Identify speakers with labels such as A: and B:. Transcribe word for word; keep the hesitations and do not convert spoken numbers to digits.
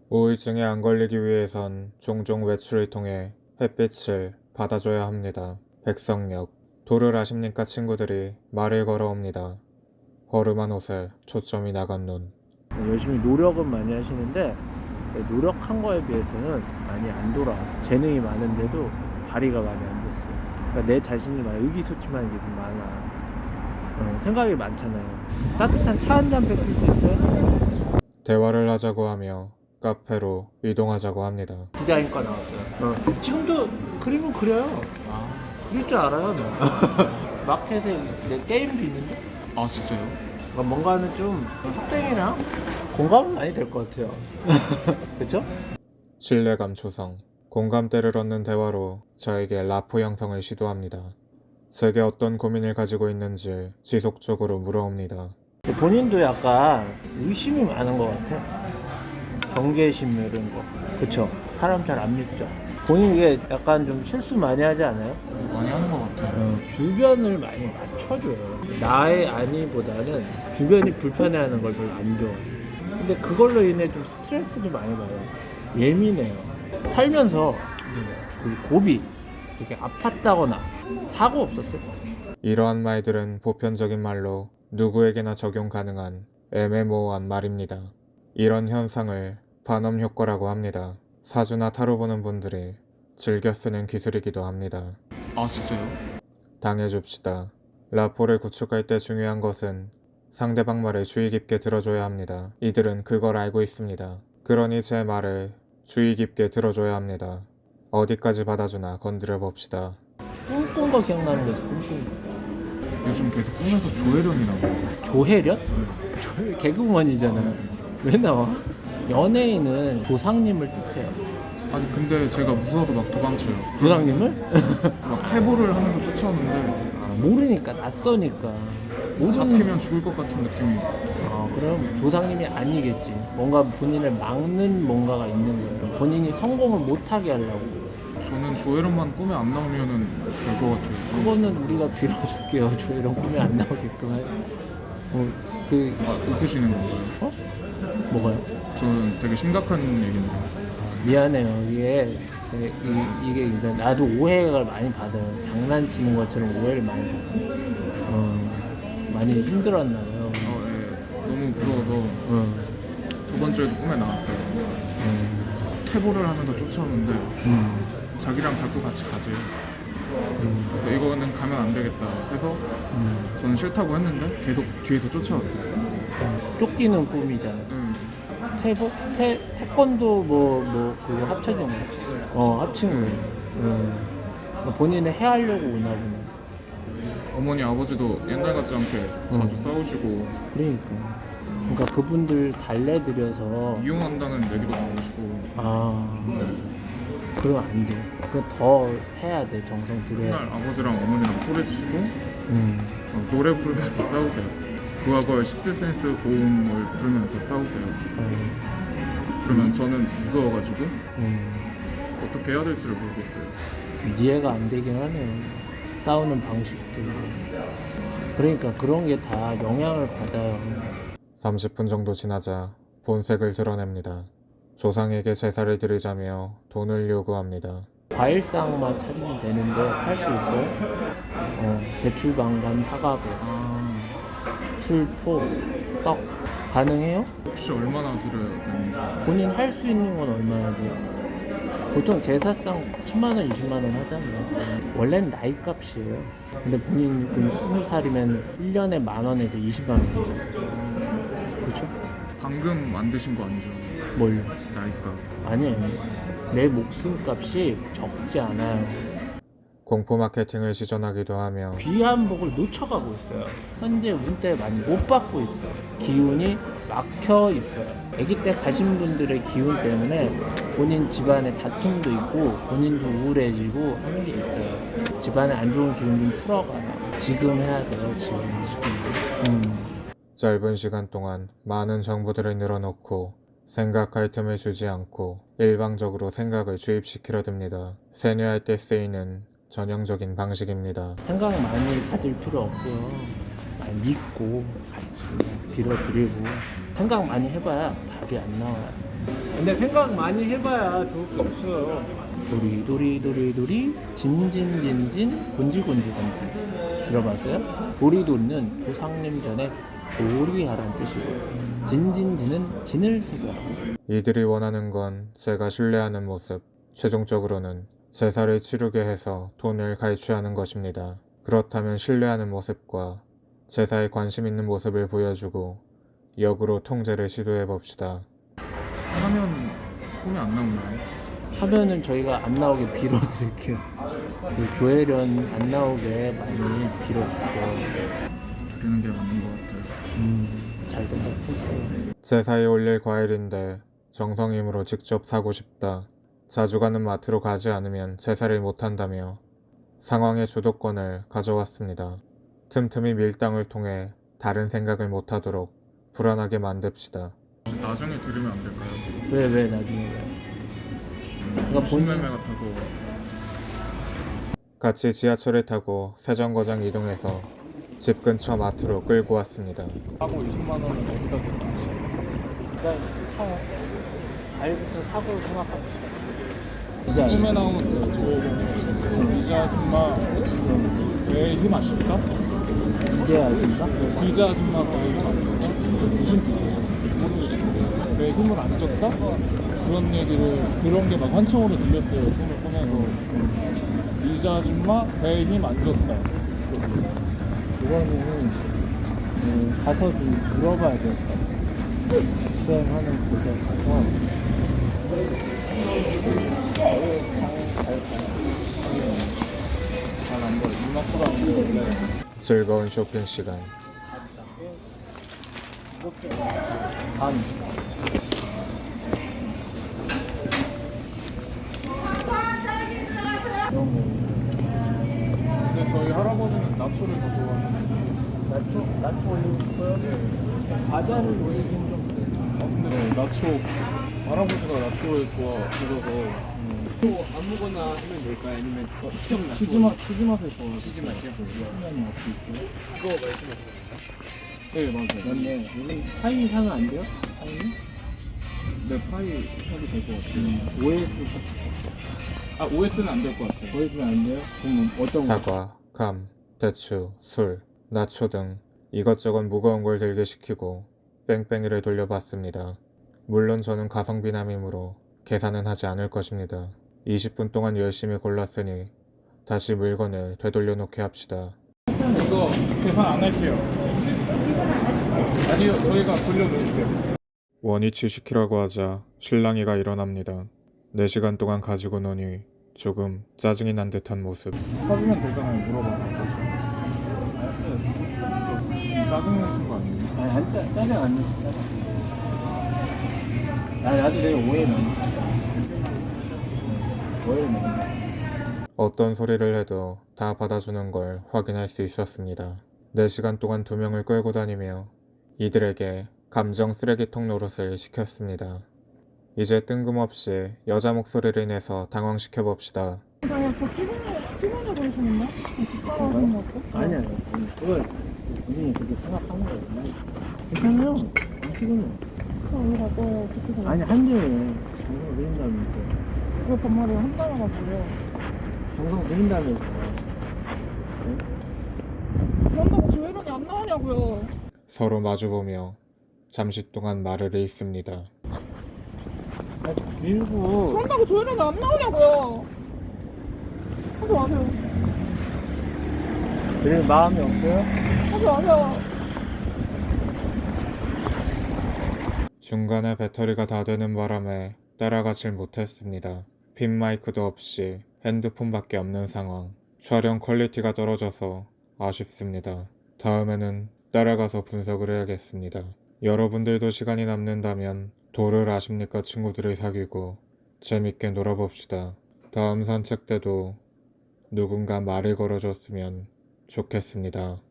A: 우울증에 안 걸리기 위해선 종종 외출을 통해 햇빛을 받아줘야 합니다. 백석역. 도를 아십니까 친구들이 말을 걸어옵니다. 허름한 옷에 초점이 나간 눈.
B: 열심히 노력은 많이 하시는데 노력한 거에 비해서는 많이 안 돌아와서 재능이 많은데도 발휘가 많이 안 됐어요. 그러니까 내 자신이 많이 의기소침한 게 좀 많아. 어, 생각이 많잖아요. 따뜻한 차 한 잔 뺏길 수 있어요?
A: 대화를 하자고 하며 카페로 이동하자고 합니다.
B: 디자인과 나왔어요. 어. 지금도 그림은 그려요.
C: 아,
B: 그릴 줄 알아요. 너. 마켓에 내 게임도 있는데?
C: 아 진짜요?
B: 그러니까 뭔가는 좀 학생이랑 공감은 많이 될 것 같아요. 그렇죠?
A: 신뢰감 조성. 공감대를 얻는 대화로 저에게 라포 형성을 시도합니다. 제게 어떤 고민을 가지고 있는지 지속적으로 물어옵니다.
B: 본인도 약간 의심이 많은 것 같아. 경계심 이런 거. 그쵸? 사람 잘 안 믿죠? 본인 이게 약간 좀 실수 많이 하지 않아요?
C: 많이 하는 것 같아요.
B: 어, 주변을 많이 맞춰줘요. 나의 아니보다는 주변이 불편해하는 걸 별로 안 좋아해요. 근데 그걸로 인해 좀 스트레스도 많이 받아요. 예민해요. 살면서 그 고비, 이렇게 아팠다거나 사고 없었어요?
A: 이러한 말들은 보편적인 말로 누구에게나 적용 가능한 애매모호한 말입니다. 이런 현상을 반음 효과라고 합니다. 사주나 타로 보는 분들이 즐겨 쓰는 기술이기도 합니다.
C: 아 진짜요?
A: 당해줍시다. 라포를 구축할 때 중요한 것은 상대방 말을 주의 깊게 들어줘야 합니다. 이들은 그걸 알고 있습니다. 그러니 제 말을 주의 깊게 들어줘야 합니다. 어디까지 받아주나 건드려 봅시다.
B: 꿈꾼 거 기억나는 거지, 꿈꾼 거.
C: 요즘 계속 꿈에서 조혜련이라고.
B: 조혜련? 조 개그우먼이잖아. 왜 나와? 연예인은 조상님을 뜻해요.
C: 아니 근데 제가 무서워도 막 도망쳐요.
B: 조상님을?
C: 막 퇴보를 하면서 쫓아오는데
B: 아, 모르니까, 낯서니까. 모든
C: 잡히면 죽을 것 같은 느낌이.
B: 아, 그럼 조상님이 아니겠지. 뭔가 본인을 막는 뭔가가 있는 거예요. 본인이 성공을 못하게 하려고.
C: 저는 조혜련만 꿈에 안 나오면은 될 것 같아요.
B: 그거는 우리가 빌어줄게요. 저 이런 꿈이 안 나오게끔. 할- 어, 그,
C: 아, 웃으시는 건가요?
B: 어? 뭐가요?
C: 저는 되게 심각한 얘기인데.
B: 미안해요. 이게, 이, 이게, 이제 나도 오해를 많이 받아요. 장난치는 것처럼 오해를 많이 받아요. 어, 많이 힘들었나 봐요.
C: 어, 예. 너무 무서워서
B: 어,
C: 저번 주에도 꿈에 나왔어요.
B: 어,
C: 퇴보를 하면서 쫓아오는데
B: 음,
C: 자기랑 자꾸 같이 가지.
B: 음,
C: 그래서 이거는 가면 안 되겠다 해서
B: 음.
C: 저는 싫다고 했는데 계속 뒤에서 쫓아왔어요.
B: 쫓기는 꿈이잖아.
C: 음,
B: 태보? 태, 태권도 뭐, 뭐, 그거 합쳐진 거. 어, 합친 거. 음. 본인은 해하려고 오나 보네.
C: 어머니 아버지도 옛날 같지 않게 자주 싸우시고
B: 그러니까. 그러니까 그분들 달래드려서.
C: 이용한다는 얘기도 나오시고
B: 아, 그러면 안 돼. 그거 더 해야 돼. 정성 들여야
C: 맨날
B: 돼.
C: 아버지랑 어머니랑 소리치고
B: 음.
C: 어, 노래 부르면서 싸우세요. 부하걸 식스센스 고음을 부르면서 싸우세요.
B: 어,
C: 그러면 저는 무서워가지고
B: 음.
C: 어떻게 해야 될지를 모르겠어요.
B: 이해가 안 되긴 하네요. 싸우는 방식도. 그러니까 그런 게 다 영향을 받아요.
A: 삼십 분 정도 지나자 본색을 드러냅니다. 조상에게 제사를 드리자며 돈을 요구합니다.
B: 과일상만 차리면 되는데 할 수 있어요? 어, 배추방감 사과배,
C: 아,
B: 술포, 떡 가능해요?
C: 혹시 얼마나 드려야 되는지.
B: 본인 할 수 있는 건 얼마나 돼요? 보통 제사상 십만 원, 이십만 원 하잖아요. 원래는 나이 값이에요. 근데 본인 그럼 스무 살이면 일 년에 만 원에서 이십만 원이죠. 그렇죠?
C: 방금 만드신 거 아니죠?
B: 뭘요?
C: 나이가.
B: 아니에요. 내 목숨값이 적지 않아요.
A: 공포 마케팅을 시전하기도 하며
B: 귀한 복을 놓쳐가고 있어요. 현재 운때 많이 못 받고 있어요. 기운이 막혀 있어요. 아기 때 가신 분들의 기운 때문에 본인 집안에 다툼도 있고 본인도 우울해지고 하는 게 있어요. 집안에 안 좋은 기운 좀 풀어가요. 지금 해야 돼요. 지금. 음.
A: 짧은 시간 동안 많은 정보들을 늘어놓고 생각할 틈을 주지 않고 일방적으로 생각을 주입시키려 듭니다. 세뇌할 때 쓰이는 전형적인 방식입니다.
B: 생각 많이 가질 필요 없고요. 많이 믿고 같이 빌어드리고 생각 많이 해봐야 답이 안 나와요. 근데 생각 많이 해봐야 좋을 게 없어요. 도리 도리 도리 도리 진진진진 곤지곤지 곤지 들어봤어요? 도리도리는 조상님 전에 도리하라는 뜻이고 진진진은 진을 새겨라고.
A: 이들이 원하는 건 제가 신뢰하는 모습, 최종적으로는 제사를 치르게 해서 돈을 갈취하는 것입니다. 그렇다면 신뢰하는 모습과 제사에 관심 있는 모습을 보여주고 역으로 통제를 시도해 봅시다.
C: 하면 꿈이 안 나오나요?
B: 하면은 저희가 안 나오게 빌어드릴게요. 그 조혜련 안 나오게 많이 빌어줄게요.
C: 드리는 게 맞는 것 같아요.
B: 음, 잘 생각했어요.
A: 제사에 올릴 과일인데 정성임으로 직접 사고 싶다. 자주 가는 마트로 가지 않으면 제사를 못한다며 상황의 주도권을 가져왔습니다. 틈틈이 밀당을 통해 다른 생각을 못하도록 불안하게 만듭시다.
C: 혹시 나중에 들으면 안 될까요?
B: 왜, 왜 나중에 왜? 그러니까 본-
C: 신매매 같아서
A: 같이 지하철을 타고 세정거장 이동해서 집 근처 마트로 끌고 왔습니다.
C: 하고 이십만 원은 어디다 뒀는지.
B: 일단 사요. 알부터 사고 생각합시다. 이제
C: 꿈에 나오는 그 조혜련 비자 아줌마 왜 힘 아십니까?
B: 이제 알겠나?
C: 비자 아줌마 왜 힘 아십니까? 무슨 뜻이에요? 모르겠는데 왜 힘을 안 줬다? 그런 얘기를 그런 게 막 환청으로 들렸대요. 손을 꺼내서 비자 아줌마 배에 힘 안 줬다.
B: 이거는 음, 가서 좀 물어봐야 될 것 같아요. 수행하는 곳에 가서
C: 잘안 보여. 눈앞으로 안 보여.
A: 즐거운 쇼핑 시간.
B: 반. 이런 거.
C: 근데 저희 할아버지는 나초를 더 좋아하시는.
B: 나초, 나초 올리고 싶어요? 과자를 올리긴 좀 그래요.
C: 아 근데 네, 나초 할아버지가 나초를 좋아하셔서
D: 또 아무거나 하면 될까요? 아니면 더 특정
C: 치즈 맛 치즈 맛을 좋아하세요.
D: 치즈 맛이요?
B: 신기한 맛이 있고요.
D: 그거 말씀하시는
C: 네 맞아요.
B: 맞네. 요즘 파인 사면 안 돼요? 파인?
C: 네 파이 해도 될 것 같아요.
B: 오에스
C: 아 오에스는 안 될 것 같아요.
B: 오에스는 안 돼요? 그럼 어떤 거?
A: 사과, 감, 대추, 술, 나초 등 이것저것 무거운 걸 들게 시키고 뺑뺑이를 돌려봤습니다. 물론 저는 가성비남이므로 계산은 하지 않을 것입니다. 이십 분 동안 열심히 골랐으니 다시 물건을 되돌려 놓게 합시다.
C: 이거 계산 안 할게요. 아니요 저희가 돌려놓을게요.
A: 원위치 시키라고 하자 실랑이가 일어납니다. 네 시간 동안 가지고 노니 조금 짜증이 난 듯한 모습.
C: 사주면 되잖아요. 물어봐서. 알았어요. 짜증 내신 거 아니에요?
B: 아니 안 짜, 짜증 안 냈어. 짜증. 나 나도 되게 오해 많이 했어. 오해를 많이 했어.
A: 어떤 소리를 해도 다 받아주는 걸 확인할 수 있었습니다. 네 시간 동안 두 명을 끌고 다니며 이들에게 감정 쓰레기통 노릇을 시켰습니다. 이제 뜬금없이 여자 목소리를 내서 당황시켜 봅시다.
E: 아니요, 저 피곤해, 피곤해 보이시는데? 귀찮아하시는 것 같아?
B: 아니 아니. 그걸 본인이 그렇게 생각하는 거예요. 괜찮아요. 안 피곤해.
E: 저 오늘 갈 거예요, 그렇게 생각.
B: 아니 한대요. 정성 들인다면서.
E: 왜 반말을 한다는 거고요?
B: 정성 들인다면서.
E: 그런다고 조혜련이 안 나오냐고요?
A: 서로 마주보며 잠시 동안 말을 잇습니다.
B: 밀고.
E: 그런다고 조혜련이 안 나오냐고요? 하지 마세요.
B: 그럴 마음이 없어요?
E: 하지 마세요.
A: 중간에 배터리가 다 되는 바람에 따라가질 못했습니다. 핀 마이크도 없이 핸드폰밖에 없는 상황. 촬영 퀄리티가 떨어져서 아쉽습니다. 다음에는 따라가서 분석을 해야겠습니다. 여러분들도 시간이 남는다면 도를 아십니까 친구들을 사귀고 재밌게 놀아봅시다. 다음 산책 때도 누군가 말을 걸어줬으면 좋겠습니다.